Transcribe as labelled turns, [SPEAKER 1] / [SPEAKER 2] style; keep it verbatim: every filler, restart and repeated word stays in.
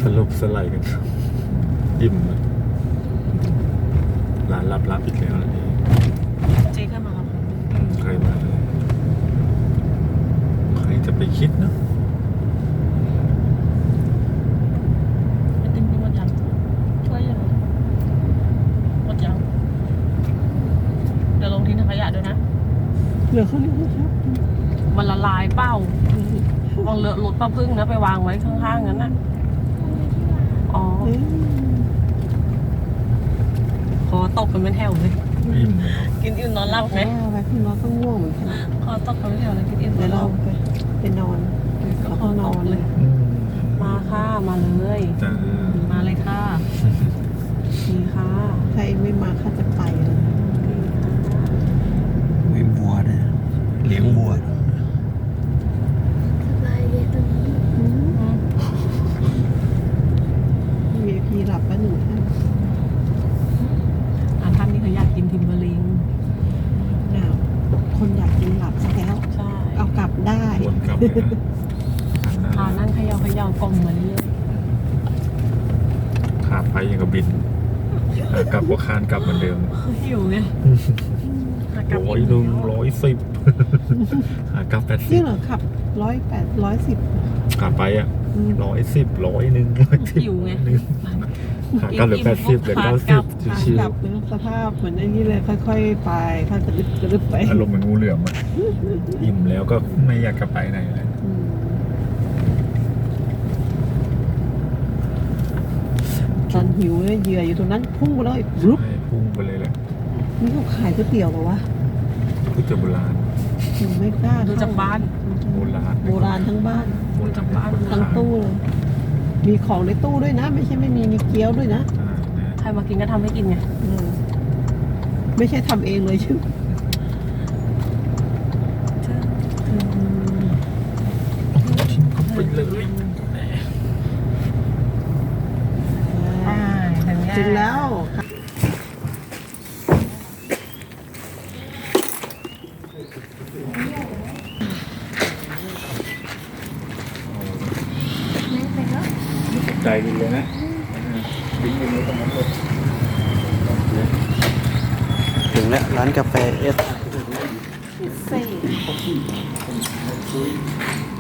[SPEAKER 1] ลบสไลด์กันอิ่มเลยร้านลับๆอีกแล้วนี่
[SPEAKER 2] เจ๊ก็มาครับ
[SPEAKER 1] ใครมาเลยใครจะไปคิดเนาะ
[SPEAKER 2] ไอติมกินหมดยังช่วยยังหมดยังเดี๋ยวลงทิ้งถังขยะด้วยนะ
[SPEAKER 3] เหลือข้าวเหนียวไหมครับ
[SPEAKER 2] มันละลายเป้าลองเลอะรถป้าพึ่งนะไปวางไว้ข้างๆนั้นน่ะอ๋อ
[SPEAKER 3] เอ๊ะ
[SPEAKER 2] คอตกกันเป็นแถวเลย
[SPEAKER 1] อิ่มแล้ว
[SPEAKER 2] กินอิ่มนอนหลับไหม
[SPEAKER 3] ว่าไปพี่น้องก็ง่วงเหมือนกัน
[SPEAKER 2] คอตกกันเป็นแถวเลยกินอิ่มน
[SPEAKER 3] เดี๋
[SPEAKER 2] อย
[SPEAKER 3] วน
[SPEAKER 2] ห
[SPEAKER 3] เรา
[SPEAKER 2] ลับ
[SPEAKER 3] ไปไปนอน
[SPEAKER 2] ก็
[SPEAKER 3] เรา
[SPEAKER 2] ค
[SPEAKER 3] ก็
[SPEAKER 2] อน ต
[SPEAKER 3] อก น
[SPEAKER 2] เลย
[SPEAKER 1] อืม
[SPEAKER 2] มาค่ะมาเลย
[SPEAKER 1] จ้า
[SPEAKER 2] มาเลยค่ะดีค่ะ
[SPEAKER 3] ใครไม่มาข้าจะไปเลย
[SPEAKER 4] มีบัวเนี่ยเลี้ยงบัว
[SPEAKER 5] สบายดีตรงนี้
[SPEAKER 2] อืม
[SPEAKER 3] วี ไอ พี หลับปะหนูท่าน
[SPEAKER 2] อ่ะท่านนี่เขาอยากกินทิมเบอร์ลิง
[SPEAKER 3] อ้าวคนอยากกินหลับซะแล้ว
[SPEAKER 2] ใช่
[SPEAKER 3] เอากลับได้
[SPEAKER 1] วนกลับเลยนะ
[SPEAKER 2] ทานนั่งเขย่าเขย่ากลมมาเรื่อย
[SPEAKER 1] ขาไปยังกับบินขากลับก็คานกลับเหมือนเดิม
[SPEAKER 2] ๆหิวไงหากลับ
[SPEAKER 1] ร้อยหนึ่งร้อยสิบขากลับแปดสิ
[SPEAKER 3] นี่
[SPEAKER 1] บ
[SPEAKER 3] เหรอขับร้อยแปดร้อยสิบ
[SPEAKER 1] ขาไปอ่ะร้อยสิบร้อยหนึ่งร้อยสิบ
[SPEAKER 2] หิวไง
[SPEAKER 1] หนึ่งขากลับเหลือแปดสิบเหลือเก้าสิบชิว
[SPEAKER 3] กลับเนอะสภาพเหมือนไอ้นี่เลยค่อยๆไปค่อยๆกระดึบกระดึบไป
[SPEAKER 1] ๆอารมณ์เหมือนงูเหลือมอ่ะอิ่มแล้วก็ไม่อยากกลับไปไหนเลย
[SPEAKER 3] อืมตอนหิวเนี่ยเหยื่ออยู่ตรงนั้นพุ่งไปเลยรุบ
[SPEAKER 1] ใช่พุ่งไปเลยแหละ
[SPEAKER 3] นี่เขาขายก๋วยเตี๋ยวเหรอวะ
[SPEAKER 1] ก๋วยเตี๋ยวโบราณ
[SPEAKER 3] หนูไม่กล้า
[SPEAKER 2] ดูจากบ้าน
[SPEAKER 1] โบราณ
[SPEAKER 3] โบราณทั้งบ้าน
[SPEAKER 1] โบราณ
[SPEAKER 2] จากบ้าน
[SPEAKER 3] ทั้งตู้เลย มีของในตู้ด้วยนะ ไม่ใช่ไม่มีมีเกี๊ยวด้วยนะ
[SPEAKER 1] ใช่นะ
[SPEAKER 2] ใครมากินก็ทำให้กินไง
[SPEAKER 3] เออไม่ใช่ทำเองเลยชื่อ
[SPEAKER 1] ชิมเข้าไปเลย
[SPEAKER 3] ถึงแล้ว
[SPEAKER 5] ไม่ไปแล้ว
[SPEAKER 1] ใจดีเลยนะดิ้งไปเลยตรงนั้นเลย
[SPEAKER 4] ถึงแล้วร้านกาแฟเอส
[SPEAKER 3] เซ่